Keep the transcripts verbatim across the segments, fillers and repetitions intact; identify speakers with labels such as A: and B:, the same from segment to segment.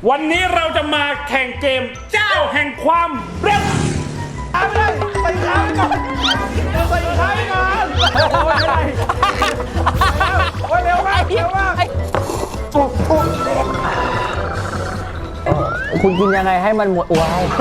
A: วันนี้เราจะมาแข่งเกมเจ้าแห่งความเร็วเอาไปเลยใส่ขาไปก่อนใส่ขาไปก่อนโอ้ยเร็วมากเร็วมาก
B: คุณกินยังไงให้มันหมดว้าว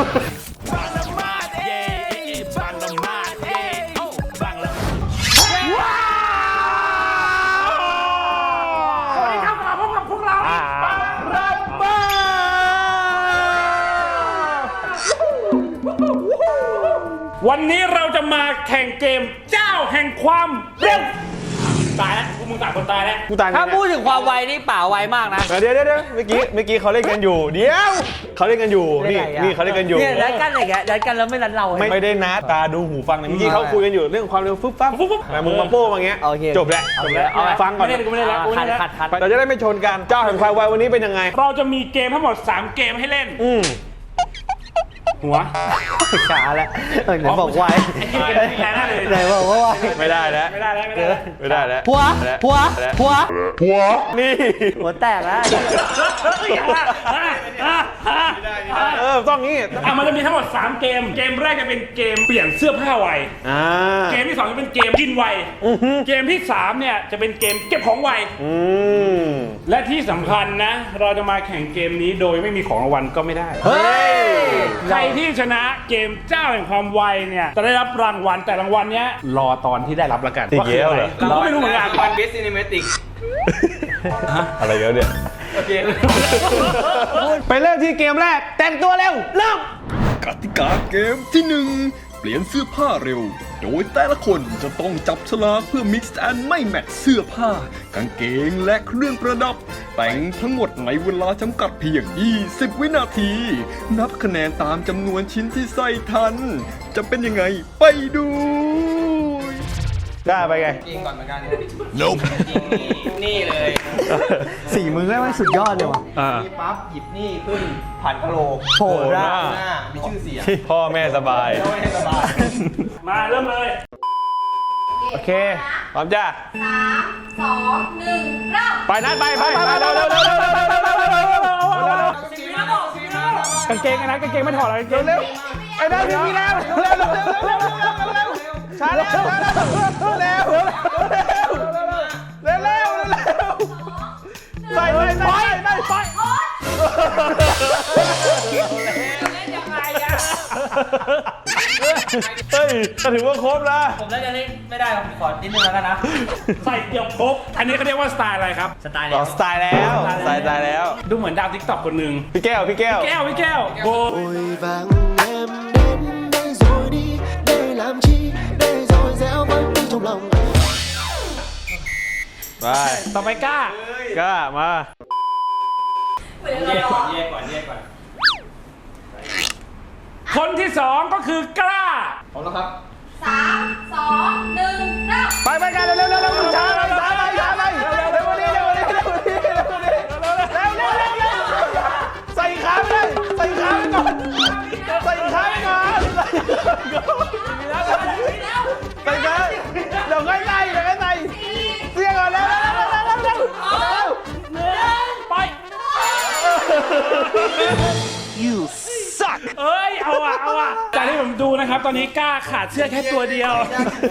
A: วันนี้เราจะมาแข่งเกมเจ้าแห่งความเร็วตายแล้วพวกมึงต่างคนตายแล้ว
C: กูตายถ้า
B: พูดถึงความไวนี่ป่าไวมากนะ
C: เดี๋ยวเดี๋ยวเดี๋ยวเมื่อกี้เมื่อกี้เขาเล่นกันอยู่เดี๋ยวเขาเล่นกันอยู่นี่นี่เขาเล่นกันอยู่
B: เนี่ยนัดกันอะไรแกนัดกันแล้วไม่นัดเรา
C: ไม่ได้นัดตาดูหูฟังเมื่อกี้เขาคุยกันอยู่เรื่องความเร็วฟึ๊บฟับแต่มึงมาโป้มาเงี้ยจบแล้วจบแล้วฟังก่อน
A: ไม่ได้กูไม่ได้แล้วกูไม่ได้แล้ว
C: เราจะได้ไม่ชนกันเจ้าแห่งความไววันนี้เป็นยังไง
A: เราจะมีเกมทั้งหมดสามเกมให้เล่น
C: อืม
A: หัว
B: ขาแล้วไหนบอกไวไหนบอกว่าไว
C: ไม่ได้แล้ว
A: ไม่ได้แล้วไม่ได้แล้ว
C: ไม่ได้แล้ว
B: หัวหัวหัว
C: หัวนี่
B: หัวแตกแล้ว
C: เออต้องงี้
A: อ่ะมันจะมีทั้งหมดสามเกมเกมแรกจะเป็นเกมเปลี่ยนเสื้อผ้าไวเกมที่สองจะเป็นเกมกินไวเกมที่สามเนี่ยจะเป็นเกมเก็บของไวและที่สำคัญนะเราจะมาแข่งเกมนี้โดยไม่มีของรางวัลก็ไม่ได้ใครที่ชนะเกมเจ้าแห่งความไวเนี่ยจะได้รับรางวัลแต่รางวัลเนี้ยรอตอนที่ได้รับแล้วกัน
C: ว่าคืออะไร
A: เราไม่รู้เหมือนกัน
D: วันบิสซินิเมติก
C: อะไรเยอะเนี่ย
D: โอเค
C: ไปเริ่มที่เกมแรกแต่งตัวเร็วเริ่ม
E: กติกาเกมที่หนึ่งเปลี่ยนเสื้อผ้าเร็วโดยแต่ละคนจะต้องจับฉลากเพื่อ mix and ไม่แมทเสื้อผ้ากางเกงและเครื่องประดับแต่งทั้งหมดในเวลาจำกัดเพียงยี่สิบวินาทีนับคะแนนตามจำนวนชิ้นที่ใส่ทันจะเป็นยังไงไปดู
C: ได้ไปไง
D: จริงก่อนเหมือนกันจริงนี่เลย
B: สี่มือได้ไหมสุดยอดเลยว่ะ
D: นี่ปั๊บหยิบนี่ขึ้นผ่านกะโหลก
B: โผล่หน้า
D: มีชื่อเสียง
C: พ่อแม่สบาย
D: พ่อแม่สบาย
A: มาเริ่มเลย
C: โอเคพร้อมจ้า
F: สามสองหนึ่งเริ่ม
C: ไปนัดไปไปไปเร็วเร็วเร็วเร็วเร็วเร็วเร็วเร็วเร็วเร็ว
A: กางเกงนะกางเกงไม่ถอดเลยกางเกงเร็ว
C: ไอ้ได้พี่พี่แล้วเร็วเร็วเร็วเร็วเร็วเร็วเร็วช้าเร็วช้าเร็วเร็วเร็วเร็วเร็วเร็วใส่ใส่ใส่ใส่ใส่เฮ้ยถือว่าครบนะ
D: ผมน่าจะเล่นไม่ได้ผมขอนิดนึงแล้วกันนะ
A: ใส่เกือบครบอันนี้เขาเรียกว่าสไตล์อะไรครับ
D: สไตล์แล้ว
C: สไตล์แล้วสไตล์แล้ว
A: ดูเหมือนดาวทิกตอกคนหนึ่ง
C: พี่แก้วพี่แก้ว
A: พี่แก้วพี่แก้วโบ
C: ไป
A: ต่อไปกล้า
C: กล้ามา
D: เรียกก่อนเรียกก่อนเรียกก่อน
A: คนที่สองก็คือกล้า
D: พร้อมแล้วครับ
F: สามสองหนึ่งเริ่ม
C: ไปไปกันเร็วเร็วเร็วเร็วช้าไปช้าไปช้าไปเร็วเร็ววันนี้เร็ววันนี้เร็ววันนี้เร็ววันนี้เร็วเร็วเร็วเร็วเร็วใส่ขาไปเลยใส่ขาไปก่อนใส่ขาไปก่อนใส่ขาเดี๋ยวค่อยใส่เดี๋ยวค่อยใส่เสียก่อนเร็วเร็วเร็วเร็วเร็วเร็ว
A: หนึ่งไป
C: You suck
A: เอ้ยเอาอ่ะเอาอ่ะจากที่ผมดูนะครับตอนนี้กล้าขาดเสื้อแค่ตัวเดียว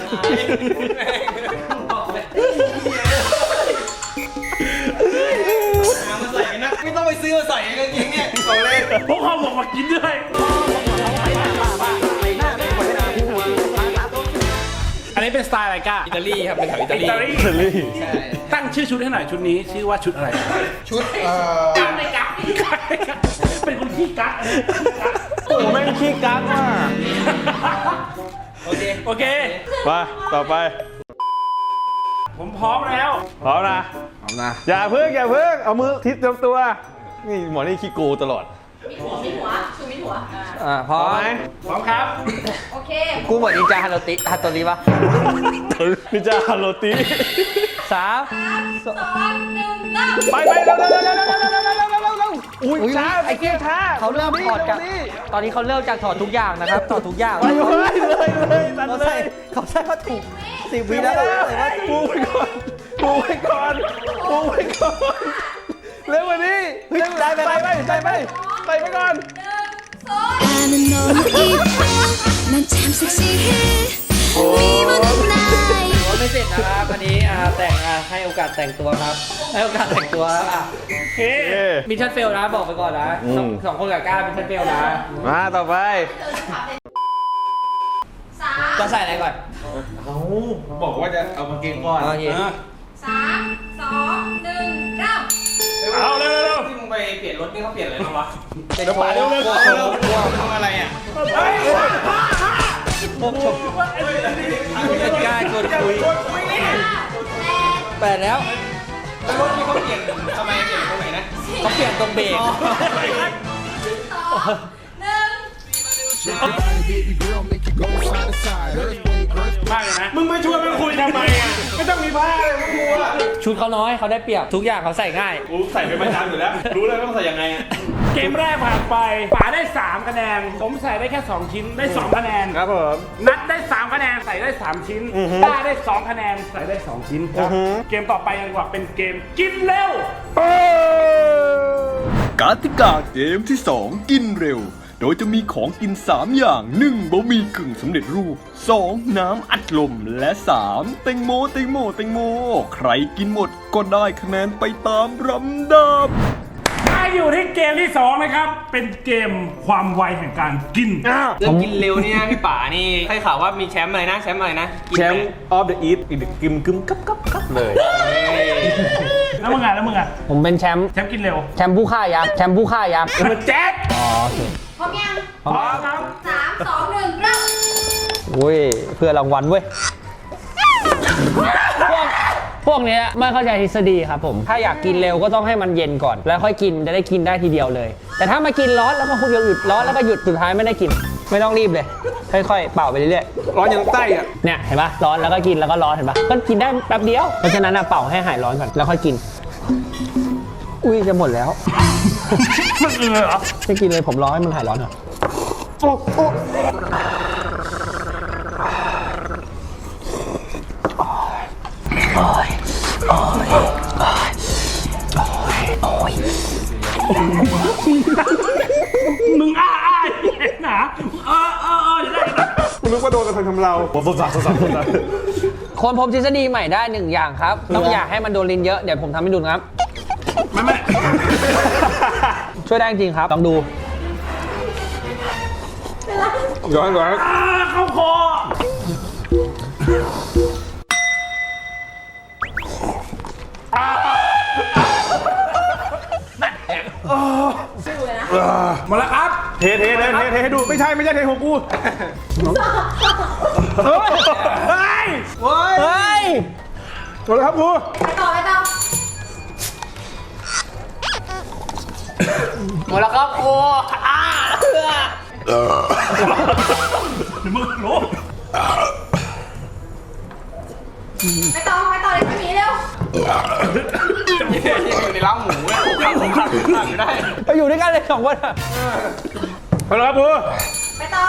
D: มาใส่นะไม่ต้องไปซื้อมาใส่กางเกงเนี่ยเอาเล่น
A: พวกเขาบอกมากินด้วยอันนี้เป็นสไตล์อะไรก้า
D: อิตาลีครับเป็นแถวอิตาลี
C: อิตาลี
A: ตั้งชื่อชุดให้หน่อยชุดนี้ชื่อว่าชุดอะไร
D: ชุดเอ่อ
A: กั๊กเลยกั๊กเป็นคนขี้กั๊ก
C: โอ้แม่งขี้กั๊กว่ะ
D: โอเค
A: โอเค
C: มาต่อไป
A: ผมพร้อมแล้ว
C: พร้อมนะพร้อมนะอย่าเพิ่งอย่าเพิ่งเอามือทิศเต็มตัวนี่หมอนี่ขี้โกตลอด
F: มีหัวมีหัวชูมีหัว
B: อ่าพร้อมไหม
A: พร้อมครับ
F: โอเค
B: กูเหมือนนินจาฮาโลติฮาโตริปะ
C: นินจาฮาโลติ
B: สาม
F: สองหนึ่งเริ่ม
C: ไปไปเร็วเร็วเร็วเร็วเร็วเร็วเร็วเร็วเร็วเร็วเร็วอุ้ยช้าไอ้เกี้ยช้า
B: เขาเริ่มถอดจากตอนนี้เขาเริ่มจากถอดทุกอย่างนะครับถอดทุกอย่าง
C: เลยเลยเลย
B: เขาใส่เขาใส่ผ้าถุงสิบวิแล้ว
C: ปูไปก่อนปูไปก่อนปูไปก่อนเร็วกว่านี้ใส่ไปใส่ไปใส่ไปใส่ไปก่อน
F: หนึ่งสอง
G: 나는 너무 이뻐 난 참 섹시해 미모는 나의
B: ไม่เสร็จนะครับอันนี้อ่าแต่งอ่าให้โอกาสแต่งตัวครับให้โอกาสแต่งตัวอ่ะ
A: โอเค
B: มิชชั่นเฟลนะบอกไปก่อนนะสองสองคนกับก้ามิชชั่นเฟลนะ
C: มาต่อไป
F: สาม
B: จะใส่อะไรก่อน
D: บอกว่าจะเอามาเกงก่อน
B: โอเค
F: สามสองหนึ่งเริ่ม
A: เอาเร็วเร็ว
D: ที่มึงไปเปลี่ยนรถนี่เขาเปลี่ยนอะไรบ้างวะ
B: เดี๋ยวป่า
A: เร็วเร็ว
D: กลัวกลัวกลัวทำอะไรอ่ะ
B: พวกชมกล้าชวนคุย
F: แปด
B: แปดแล้ว
D: แล้วรถที่เขาเปลี่ยนทำไมเปลี่ยนตรงไหนนะ
B: เขาเปลี่ยนตรงเบรก
F: สองหนึ่ง
A: มากเลยนะ มึงไปชวนมันคุยทำไมอ่ะ ไม่ต้องมีผ้าเลยมึงกลัว
B: ชุดเขาน้อยเขาได้เปรียบทุกอย่างเขาใส่ง่าย
A: กูใส่เป็นประจำอยู่แล้ว รู้เลยต้องใส่ยังไงอ่ะ เกมแรกผ่านไปป๋าได้สามคะแนน ผมใส่ได้แค่สองชิ้น ได้สองคะแนน
C: ครับผม
A: นัดได้สามคะแนน ใส่ได้สามชิ้นต้าได้สองคะแนน ใส่ได้สองชิ้นครับ เกมต่อไปกันดีกว่าเป็นเกมกินเร็ว
E: กติกาเกมที่สองกินเร็ว โดยจะมีของกินสามอย่าง หนึ่ง บะหมี่กึ่งสำเร็จรูป สอง น้ำอัดลม และ สาม แตงโมแตงโมแตงโม ใครกินหมดก็ได้คะแนนไปตามลำดับ
A: มาอยู่ที่เกมที่สองนะครับ เป็นเกมความไวแห่งการกิน
D: เรื่องกินเร็วเนี่ยพี่ป๋านี่ใครข่าวว่ามีแชมป์อะไรนะแชมป์อะไรนะกิน
C: แช
D: ไห
C: มป์ออฟเดอะอีทอีกกึมกึมกับกับกับเลย
A: แล้วมึงอ่ะแล้วมึงอ่ะ
B: ผมเป็นแชมป์
A: แชมป์กินเร็ว
B: แชมป์ผู้ฆ่ายักษ์แชมป์ผู้ฆ่ายักษ์
A: มันแจ็ค
B: อ๋อโอเค
F: พร้อมยัง
A: พร้อมครับ
F: สามสองหนึ่งเริ่ม
B: อุ้ยเพื่อรางวัลเว้ยพวกพวกเนี้ยไม่เข้าใจทฤษฎีครับผมถ้าอยากกินเร็วก็ต้องให้มันเย็นก่อน แล้วค่อยกินจะได้กินได้ทีเดียวเลย แต่ถ้ามากินร้อนแล้วก็คุณหยุดร้อนแล้วก็หยุดสุดท้ายไม่ได้กิน ไม่ต้องรีบเลยค่อยๆเป่าไปเรื่อย
C: ร้อนยังใต้อ่ะ
B: ๆเนี่ยเห็นปะร้อนแล้วก็กินแล้วก็ร้อนเห็นปะก็กินได้แป๊บเดียวเพราะฉะนั้นอะเป่าให้หายร้อนก่อนแล้วค่อยกิน อุ้ยจะหมดแล้ว
A: มันเออเหรอ
B: ไม่กินเลยผมรอให้มันหายร้อนก่อน
A: มึงอ้าอ้าเห็นหนาเออเออเออจะได้จะได้
C: นึกว่าโดนกระทำทำเราสดสัสสดสัสสดสัส
B: คนพบทฤษฎีใหม่ได้หนึ่งอย่างครับ ต้องอยากให้มันโดนลิ้นเยอะ เดี๋ยวผมทำให้ดูนะครับ
A: ไม่ไม่
B: ช่วยได้จริงครับ ต้องดู
C: ย้อนย้อน
A: อ่าเข้าคออ่าหมดแล้วครับ
C: เทเทเทเทเทให้ดูไม่ใช่ไม่ใช่เทของกูเฮ้ย
B: เฮ้ย
C: หมดแล้วครับกู
F: ไปต่อไปต่อ
B: หมดแล้วครับโอ้อ้า
A: มึงรู้
F: ไปต่อไปต่อเลยพี่หมีเร็ว
D: อยู่ในร้านหมูอ่ะขับขับขับขับอยู่ได้
B: เราอยู่ด้วยกันเลยสองคนอะ
C: หมดแล้วครับกู
F: ไปต่อ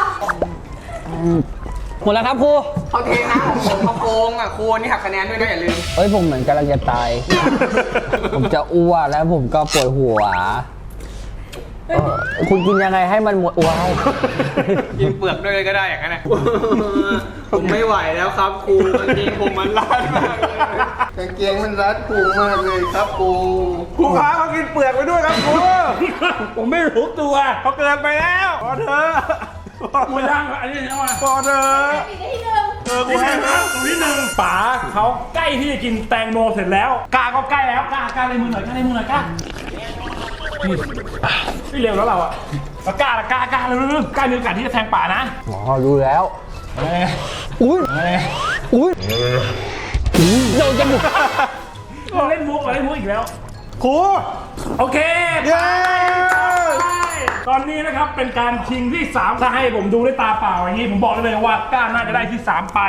B: หมดแล้วครับครู
D: เขาเทน้ำของผมเขาโกงอ่ะครูนี่หักคะแนนด้วยนะอย่าลืม
B: เฮ้ยผมเหมือนกำลังจะตาย ผมจะอ้วกแล้วผมก็ปวดหัวเออคุณกินยังไงให้มันหมดว้าว
D: กินเปลือกด้วยเลยก็ได้อย่างนั้นนะผมไม่ไหวแล้วครับครูกางเกงผมมันรัดมากเลยกางเกงมันรัดพุงมากเลยครับครู
C: กูพาเขากินเปลือกไปด้วยครับกู
A: ผมไม่รู้ตัว
C: เขาเกินไปแล้วพอเถอะ
A: หมดยังอันนี้เอามา
C: พอเถอะ
F: ปิดได้ที่หนึ่ง
C: เออกู
A: นี่
C: ให้
A: นะ
C: นะ
A: ตรงที่หนึ่งป๋าเขาใกล้ที่จะกินแตงโมเสร็จแล้วกาก็ใกล้แล้วกากาในมือหน่อยกาในมือหน่อยกานี่ไม่เร็วแล้วเราอะแล้วกาละกากาเร็วๆกามีโอกาสที่จะแทงป๋านะ
B: อ๋อรู้แล้ว
A: เอ้ย
B: อุ้ย
A: เอ้ย
B: อุ้ยอุ้ยเราจะบุก
A: เราเล่นมุกเราเล่นมุกอีกแล้ว
C: ครู
A: โอเค
C: เย้
A: ตอนนี้นะครับเป็นการชิงที่สามถ้าให้ผมดูด้วยตาเปล่าอย่างนี้ผมบอกได้เลยว่าก้าน่าจะได้ที่สามไป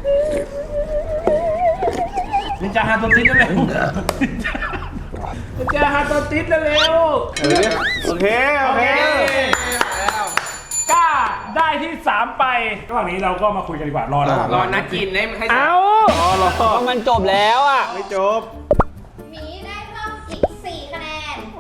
A: นินจาฮาโตติสเร็วนินจาฮาโตติสเร็ว
C: โอเคโอเค
A: ก้าได้ที่สามไประหว่างนี้เราก็มาคุยกันดีกว่ารอแล้ว
D: รอนัดกินให้ให้
B: เอ้า
C: อ๋อรอ
B: เพราะมันจบแล้วอ่ะ
C: ไม่จบ
F: หมีได้เพิ่มอีกสี่คะแนน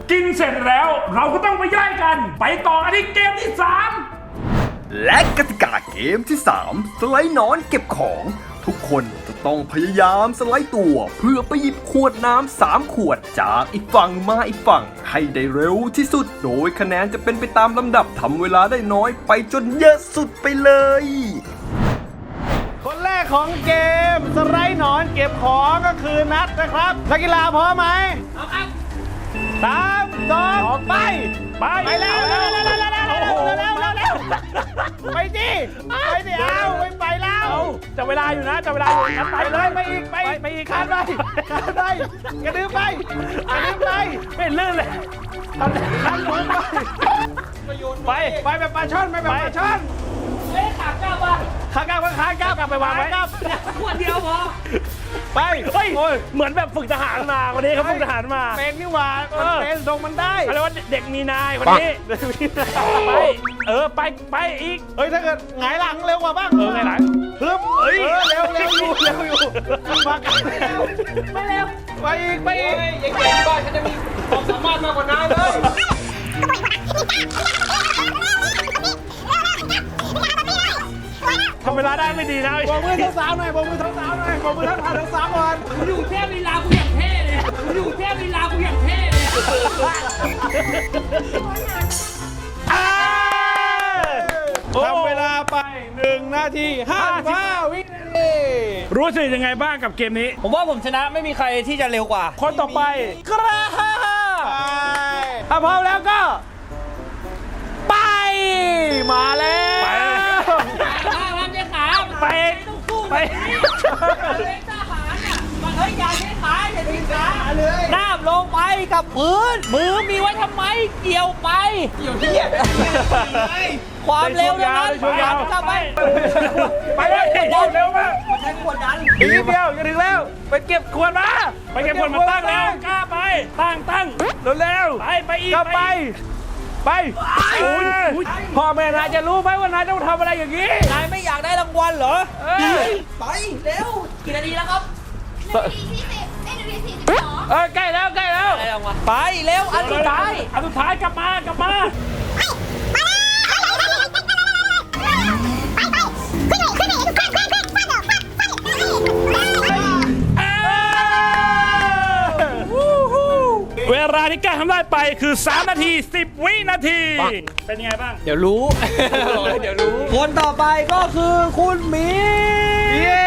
A: กินเสร็จแล้วเราก็ต้องไปย่อยกัน ไปต่อกันที่เกมที่สาม
E: และกติกาเกมที่ สาม สไลด์หนอนเก็บของ ทุกคนจะต้องพยายามสไลด์ตัวเพื่อไปหยิบขวดน้ำสามขวดจากอีกฝั่งมาอีกฝั่งให้ได้เร็วที่สุด โดยคะแนนจะเป็นไปตามลำดับทำเวลาได้น้อยไปจนเยอะสุดไปเลย
C: คนแรกของเกมสไลด์หนอนเก็บของก็คือนัดนะครับนักกีฬาพร้อมไหมพร้อมครับสามสองไปไปไปแล้วเร็วเร็วเร็วเร็วเร็วเร็วเร็วเร็วไปดิไปดิเอาไปไปแล้วจะเวลาอยู่นะจะเวลาอยู่นะไปเลยไปอีกไปไปอีกข้ามไปข้ามไปกระดึ๊บไปกระดึ๊บไปเป็นลื่นเลยทำทำลงไปไปไปแบบปลาช่อนไปแบบปลาช่อนเฮ้ยขาก้าวป่ะขาก้าวป่ะขาก้าวกลับไปวางไว้ขวดเดียวพอไปเฮ้ยเหมือนแบบฝึกทหารมาวันนี้เขาฝึกทหารมาเป็นนี่หว่ามันเป็นทรงมันได้เขาเรียกว่าเด็กมีนายคนนี้ไปเออไปไปอีกเฮ้ยถ้าเกิดหงายหลังเร็วกว่าบ้างเออหงายหลังฮึบเฮ้ยเร็วเร็วอยู่เร็วอยู่มากันไม่เร็วไปอีกไปอีกยังเก่งกว่าฉันจะมีความสามารถมากกว่านายเลยทำเวลาได้ไม่ดีนะบอกมือสาวๆหน่อยบอกมือสาวๆหน่อยบอกมือทั้งผ่านทั้งสามวันอยู่เทพลีลากูอย่างเท่เลยอยู่เทพลีลากูอย่างเท่เลยทำเวลาไปหนึ่งนาทีห้าสิบห้าวินาที
A: รู้สึกยังไงบ้างกับเกมนี้
B: ผมว่าผมชนะไม่มีใครที่จะเร็วกว่า
A: คนต่อไปกระ
C: ถ้าพร้อมแล้วก็ไปมาแล้ว
A: ไปไป
B: หน้าลงไปกับพื้นมือมีไว้ทำไมเกี่ยวไปเกี่ยวที่ความเร็วนั้นกลับไป
A: ไปเลยเร็วมาก
B: ใช้ขวดดัน
C: อีกนิดเดียวจะถึงแล้วไปเก็บขวดมา
A: ไปเก็บคนมาตั้งแล้วกล้าไปตั้งตั้งเร็วๆไปไปอีก
C: กลับไปไปพ่อแม่นายจะรู้ไหมว่านายต้องทำอะไรอย่างนี้
B: นายไม่อยากได้รางวัลเหรอไปเร็วกี่นาทีแล้วครับ
F: หนึ่งนาทีที่สิบเอ้ยหนึ่งนาทีสี่สิบสอง
C: เออใกล้แล้วใกล้แล้ว
B: ไปเร็วอันสุดท้าย
A: อันสุดท้ายกลับมากลับมาเวลาที่กล้าทำได้ไปคือสามนาทีสิบวินาทีเป็นยังไงบ้าง
B: เดี๋ยวรู้ เดี๋ยวรู้ คนต่อไปก็คือคุณหมี
C: เย้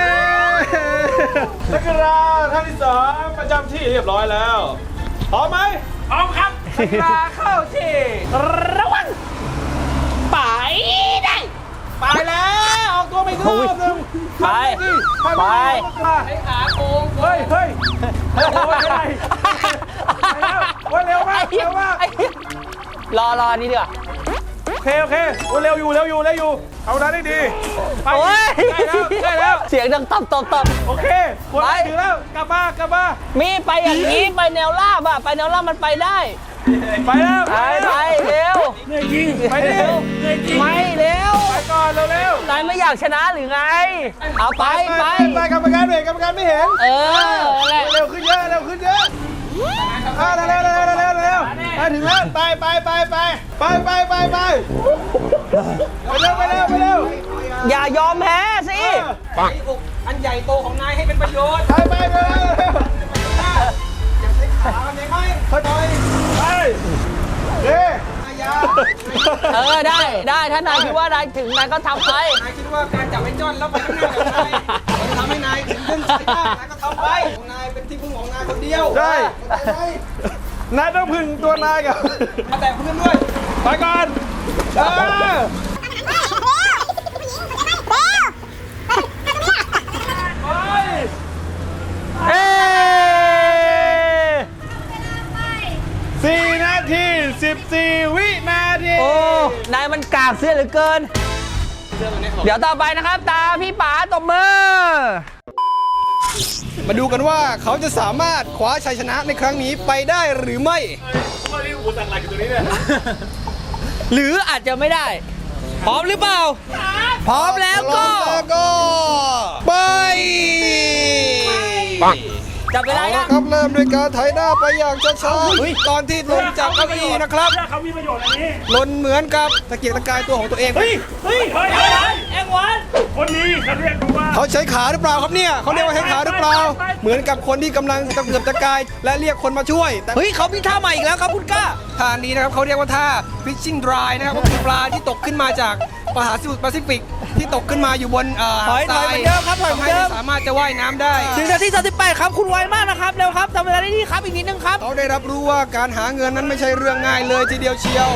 C: นักกีฬาท่านที่สองประจำที่เรียบร้อยแล้วพร้อมไหม
A: พร้อมครับ
C: นักกีฬาเข้าที่ระวังไปได้ไปแล้วออกตัวไปอีกรอบหนึ่ง
B: ไปไป
C: ให้ขาโกงเฮ้ยเฮ้ยโอ้ยอะไรโอ้ยเร็วมากเร็วมาก
B: รอรอนี่ดีกว่า
C: โอเคโอเคโอ้ยเร็วอยู่เร็วอยู่เร็วอยู่เอาได้ได้ดีไป
B: โอ้ย
C: ได้แล้วได้แล้ว
B: เสียงดังตับตับตับ
C: โอเคคนไปถึงแล้วกลับมากลับมา
B: มีไปอย่างนี้ไปแนวราบอะไปแนวราบมันไปได้
C: ไปแล้ว
B: ไปไปเร็ว
C: ไปเร็ว
B: ไม่เร็ว
C: ไปก่อนเร็วเร็วน
B: ายไม่อยากชนะหรือไง เอาไปไป
C: ไปกรรมการเห็นกรรมการไม่เห็น
B: เออแหละ
C: เร็วขึ้นเยอะเร็วขึ้นเยอะเร็วเร็วเร็วเร็วเร็วเร็วไปถึงแล้วไปไปไปไปไปไปไปไปไปเร็วไปเร็วไปเร็ว
B: อย่ายอมแพ้สิ
D: อันใหญ่โตของนายให้เป็นประโยชน์
C: ไปไปไปเร็ว
D: ขามันยังไง
C: ค่อยไปเฮ้ย
B: เออได้ได้ถ้านายคิดว่านายถึงนายก็ทำไป
D: นายคิดว่าการจับไอ้จ้อนแล้วไปข้างหน้ากับนายมันทำให้นายถึงขึ้นสายตานายก็ทำไปของนายเป็นที่พึ่งของนายคนเดียว
C: ใช่นายต้องพึ่งตัวนายกับ
D: มาแต่เพื่อนด้วย
C: ไปก่อนเออ เอ้สี่นาทีสิบสี่วินาที
B: โอ้ นายมันกากเสียเหลือเกิน เดี๋ยวต่อไปนะครับ ตาพี่ป๋าตบมือ
D: มาดูกันว่าเขาจะสามารถคว้าชัยชนะในครั้งนี้ไปได้หรือไม่
B: หรืออาจจะไม่ได้ พร้อมหรือเปล่า พร้อมแล้วก็
D: แล้วก็ไป
B: จับเวลา
D: เอา
B: ยั
D: ละ
B: ง
D: ครับเริ่มด้วยการไถหน้าไปอย่างช้าๆตอนที่ลงจากเก้าอี้นะครับ
A: เพื่อเขามีประโยชน์อันนี้
D: ลนเหมือนกับตะเกียกตะกายตัวของตัวเอง
A: เฮ้ย เฮ้ย เฮ้ย
B: เอ็งวันเอ็งวัน
A: คนนี้เขาเรียกว่า
D: เขาใช้ขาหรือเปล่าครับเนี่ยเขาเรียกว่าใช้ขาหรือเปล่า เหมือนกับคนที่กำลังตะเกียกตะกายและเรียกคนมาช่วยแต่
B: เฮ้ยเขามีท่าใหม่อีกแล้วครับคุณก้า
D: ท่านี้นะครับเขาเรียกว่าท่า fishing dry นะครับก็คือปลาที่ตกขึ้นมาจากมหาสมุทรแปซิฟิกที่ตกขึ้นมาอยู่บนเอ่อ
B: ถอยถอยเหมือนเดิมครับถอยเหมือนเดิม
D: ทำให้สามารถจะว่ายน้ำได้
B: ถึงนาทีสามสิบแปดครับคุณไวมากนะครับเร็วครับทำเวลาได้ดีครับอีกนิดนึงครับ
D: เขาได้รับรู้ว่าการหาเงินนั้นไม่ใช่เรื่องง่ายเลยทีเดียวเชียว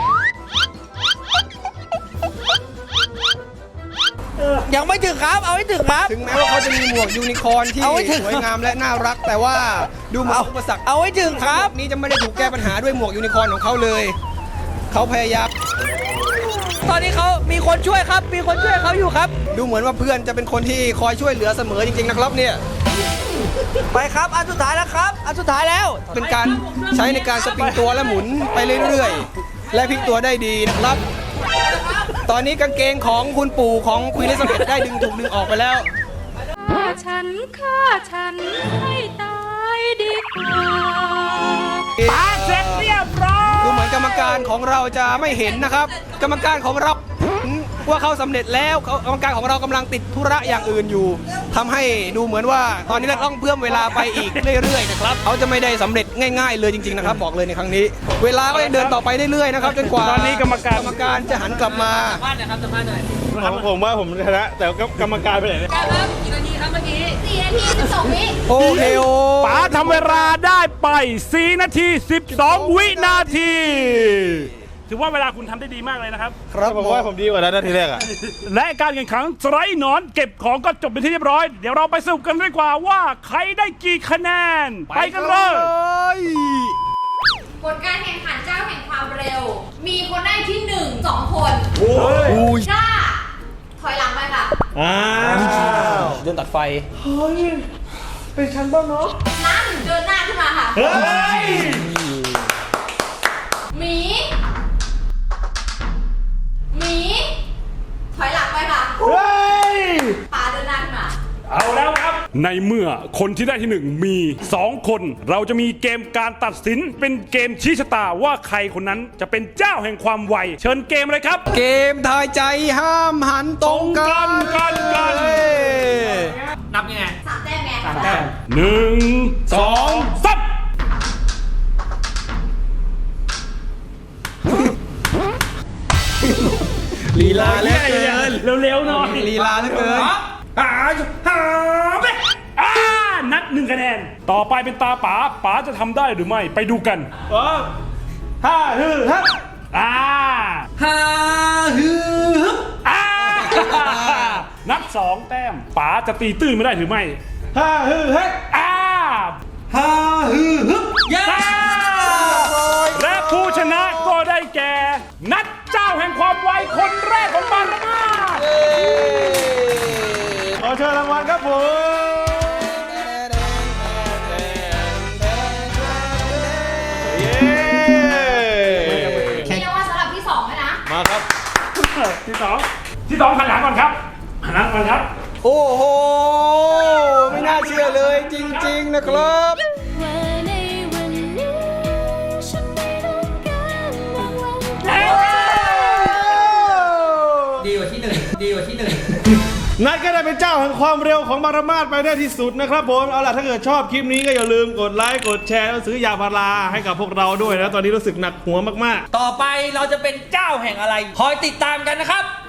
B: ยังไม่ถึงครับเอาให้ถึงครับ
D: ถึงแม้ว่าเขาจะมีหมวกยูนิคอร์นที่
B: เอาไว้ถึง
D: สวยงามและน่ารัก แต่ว่าดูเหมือนอุปสรรค
B: เอาให้ถึงครับ
D: นี้จะไม่ได้ถูกแก้ปัญหาด้วยหมวกยูนิคอร์นของเขาเลย เขาพยายาม
B: ตอนนี้เขามีคนช่วยครับ มีคนช่วยเขาอยู่ครับ
D: ดูเหมือนว่าเพื่อนจะเป็นคนที่คอยช่วยเหลือเสมอจริงๆนะครับเนี่ย
B: ไปครับอันสุดท้ายแล้วครับอันสุดท้ายแล้ว
D: เป็นการใช้ในการสปริงตัวและหมุนไปเรื่อยๆ และพลิกตัวได้ดีนะครับ ตอนนี้กางเกงของคุณปู่ของควีนอลิซาเบธได้ดึงถูกดึงออกไปแล้ว
F: ฆ่าฉันฆ่าฉันให้ตายดีกว่า
A: ปาเสร็จเรียบร้อย
D: ดูเหมือนกรรมการของเราจะไม่เห็นนะครับ กรรมการของเราว่าเขาสำเร็จแล้วเขากรรมการของเรากำลังติดธุระอย่างอื่นอยู่ทำให้ดูเหมือนว่าตอนนี้เราต้องเพิ่มเวลาไปอีกเรื่อยๆนะครับเขาจะไม่ได้สำเร็จง่ายๆเลยจริงๆนะครับบอกเลยในครั้งนี้ เวลาก็ยังเดินต่อไปเรื่อยๆนะครับจนกว่า
A: ตอนนี้กรรมการ
D: กรรมการจะหันกลับมา
B: บ้านหน่อยครับสัมภาษณ์หน่อย
C: ผมผมว่าผมชนะ แต่กรรมการไปไหนเนี่ย
B: ครับกี่นาทีครับเมื่อกี้
F: สี่นาทีสิบสองวิ
D: โอเคโอ
A: ป๋าทำเวลาได้ไปสี่นาทีสิบสองวินาที ถือว่าเวลาคุณทำได้ดีมากเลยนะครับ
D: ครับ
C: ผมว่าผมดีกว่านั้นนาทีแรกอะ
A: และการแข่งขันสไลด์หนอนเก็บของก็จบเป็นที่เรียบร้อย เดี๋ยวเราไปสรุปกันดีกว่าว่าใครได้กี่คะแนน ไปกันเลย
F: ผลการแข่งขันเจ้าแห่งความเร็ว มีคนได้ที่หนึ่งสองคน
D: อุ้ย
F: จ้าถอยหลังไปค่ะ
C: อ้าว
D: เดินตัดไฟ
F: น้าหนึ่งเดินหน้าขึ้นมาค่ะ
C: เฮ้ย
F: หมี หมี ถอยหลังไปค่ะ
C: เฮ้ย
F: ปาเดินหน้าขึ้นมา
A: เอาแล้วครับ ในเมื่อคนที่ได้ที่หนึ่งมีสองคน เราจะมีเกมการตัดสินเป็นเกมชี้ชะตาว่าใครคนนั้นจะเป็นเจ้าแห่งความไว เชิญเกมเลยครับ
D: เกมทายใจห้ามหันตรงกัน
A: กันกัน
D: เฮ้ย
B: นับยังไง
F: สามแต้มไง
A: หนึ่งสองสาม
D: ลีลาเหลือเกิน
A: เร็วๆหน่อย
D: ลีลาเหลือเกิน
A: หาหาไปอ่านัดหนึ่งคะแนน ต่อไปเป็นตาป๋าป๋าจะทำได้หรือไม่ไปดูกัน
C: ห้าฮือฮับ
A: อ่า
B: ฮ่าฮือ
A: อ่า นับสองแต้มป๋าจะตีตื้นไม่ได้หรือไม่
C: ห้าฮือฮับ
A: อ่า
C: ห้าฮือฮึบ
B: ย่า
A: และผู้ชนะก็ได้แก่ นัดเจ้าแห่งความไวคนแรกของบางระมาศ
C: ขอเชิญรางวัลครับผมเย้
F: มีรางวัลสำหรับที่สองด้วยนะ
C: มาครับ
A: ที่สองที่สองหันหลังก่อนครับหันหลังก่อนครับ
D: โอ้โห ไม่น่าเชื่อเลยจริงๆนะครับ
G: ว่าในวันนี้ฉันไม่ต้องการรางวัล
B: ดีกว่าที่หนึ่งดีกว่าที่หนึ่ง
C: นัดก็ได้เป็นเจ้าแห่งความเร็วของบารมาศไปได้ที่สุดนะครับผม เอาล่ะถ้าเกิดชอบคลิปนี้ก็อย่าลืมกดไลค์กดแชร์แล้วซื้อยาพาราให้กับพวกเราด้วยนะ ตอนนี้รู้สึกหนักหัวมากๆ
B: ต่อไปเราจะเป็นเจ้าแห่งอะไร คอยติดตามกันนะครับ